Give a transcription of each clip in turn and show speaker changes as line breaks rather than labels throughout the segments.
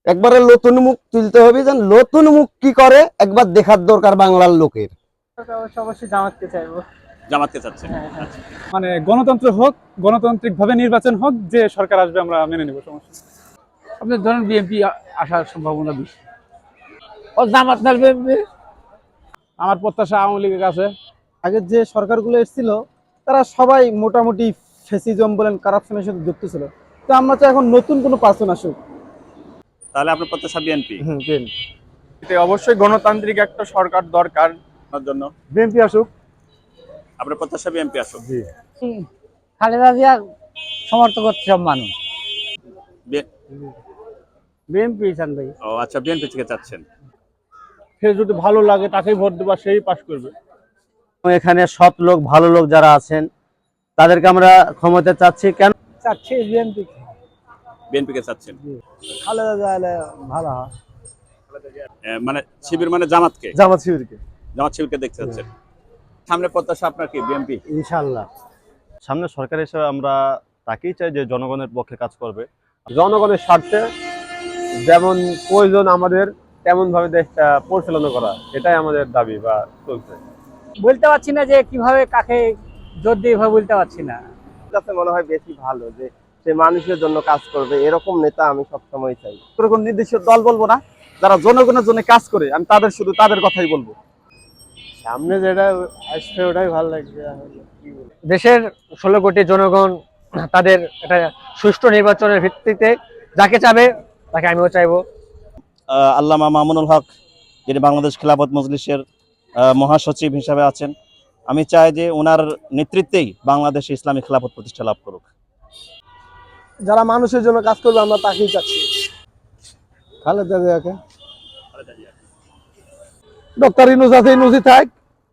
একবারে নতুন মুখ তুলতে হবে, যেন নতুন মুখ কি করে একবার দেখার দরকার বাংলার লোকের।
অবশ্যই জামাতকে চাইবো।
জামাতকে চাচ্ছেন?
হ্যাঁ।
আচ্ছা।
মানে গণতন্ত্র হোক, গণতান্ত্রিক ভাবে নির্বাচন হোক, যে সরকার আসবে আমরা মেনে নেব, সমস্যা নেই।
আপনি ধরেন বিএনপি আসার সম্ভাবনা বেশি। ও জামাত না বিএনপি?
আমার প্রত্যাশা আওয়ামী লীগের কাছে।
আগের যে সরকারগুলো এসেছিল তারা সবাই মোটামুটি ফেসিজম বলেন, কারাপশনের সাথে যুক্ত ছিল। তো আমরা চাই এখন নতুন কোনো পার্সন আসুক।
তাহলে আপনার প্রত্যাশা বিএনপি?
এতে অবশ্যই গণতান্ত্রিক একটা সরকার দরকার।
আপনার জন্য
বিএনপি আসুক।
আপনার প্রত্যাশা বিএনপি আসুক?
খালেদা জিয়া সমর্থন করছে সব মানুষ।
বিএনপি চান ভাই।
ও আচ্ছা, বিএনপি থেকে চাচ্ছেন।
সে যদি ভালো লাগে তাকেই ভোট দেবা, সেই পাস করবে।
এখানে সৎ লোক ভালো লোক যারা আছেন তাদেরকে আমরা ক্ষমতা চাচ্ছি। কেন
চাচ্ছি বিএনপি।
বিএনপি কে চাচ্ছেন?
খালেদা জিয়া ভালো হয়।
মানে শিবির মানে জামাতকে?
জামাত শিবিরকে।
জামাত শিবিরকে দেখতে চাচ্ছেন। সামনে প্রত্যাশা আপনার কি বিএনপি?
ইনশাআল্লাহ।
সামনে সরকার হিসেবে আমরা তাকেই চাই যে জনগণের পক্ষে কাজ করবে।
জনগণের স্বার্থে যেমন প্রয়োজন আমাদের তেমন ভাবে দেশটা পরিচালনা করা, এটাই আমাদের দাবি বা চলছে।
বলতে পারছি না যে কিভাবে কাকে জোর দিয়ে এভাবে বলতে পারছি না।
কাছে মনে হয় বেশি ভালো যে সে মানুষের জন্য কাজ করবে, এরকম নেতা আমি সবসময় চাই।
কোনো নির্দিষ্ট দল বলবো না, যারা জনগণের জন্য কাজ করে আমি শুধু তাদের কথাই বলবো।
সামনে যেটা আসবে ওটাই ভালো লাগবে।
দেশের 16 কোটি জনগণ তাদের একটা সুষ্ঠু নির্বাচনের ভিত্তিতে যাকে চাবে তাকে আমিও চাইবো।
আল্লামা মামুনুল হক, যিনি বাংলাদেশ খিলাফত মজলিসের মহাসচিব হিসাবে আছেন, আমি চাই যে ওনার নেতৃত্বেই বাংলাদেশে ইসলামী খিলাফত প্রতিষ্ঠা লাভ করুক।
যারা মানুষের জন্য কাজ করবে আমরা তাকেই চাচ্ছি। খালেদা জিয়াকে। ডক্টর ইউনূস আছে, ইউনূসই থাক।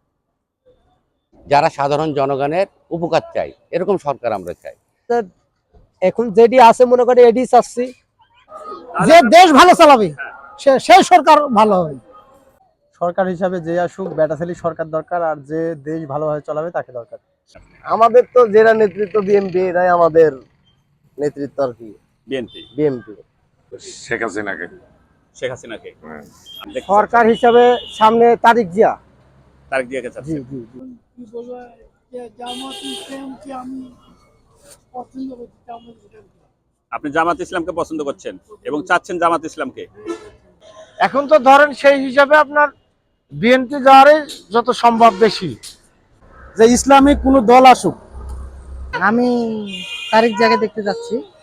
যারা সাধারণ জনগণের উপকার চাই, এরকম সরকার আমরা চাই।
এখন যেটি আছে মনে করি এটি চাচ্ছি, যে দেশ ভালো চালাবে সেই সরকার ভালো হবে। সরকার হিসাবে যে আসুক, ব্যাটাছেলি সরকার দরকার, আর যে দেশ ভালোভাবে চালাবে তাকে দরকার।
আমাদের তো যারা নেতৃত্ব বিএনপি, এরাই আমাদের নেতৃত্ব আর কি। বিএনপি
শেখ হাসিনাকে।
শেখ হাসিনাকে
সরকার হিসাবে সামনে তারিক জিয়া।
তারেক জিয়াকে চাচ্ছেন? আপনি জামাত ইসলামকে পছন্দ করছেন এবং চাচ্ছেন জামাত ইসলামকে?
এখন তো ধরেন সেই হিসাবে আপনার বিএনপি যাওয়ারই যত সম্ভব বেশি, যে ইসলামিক কোনো দল আসুক।
আমি তারিক জায়গায় দেখতে যাচ্ছি।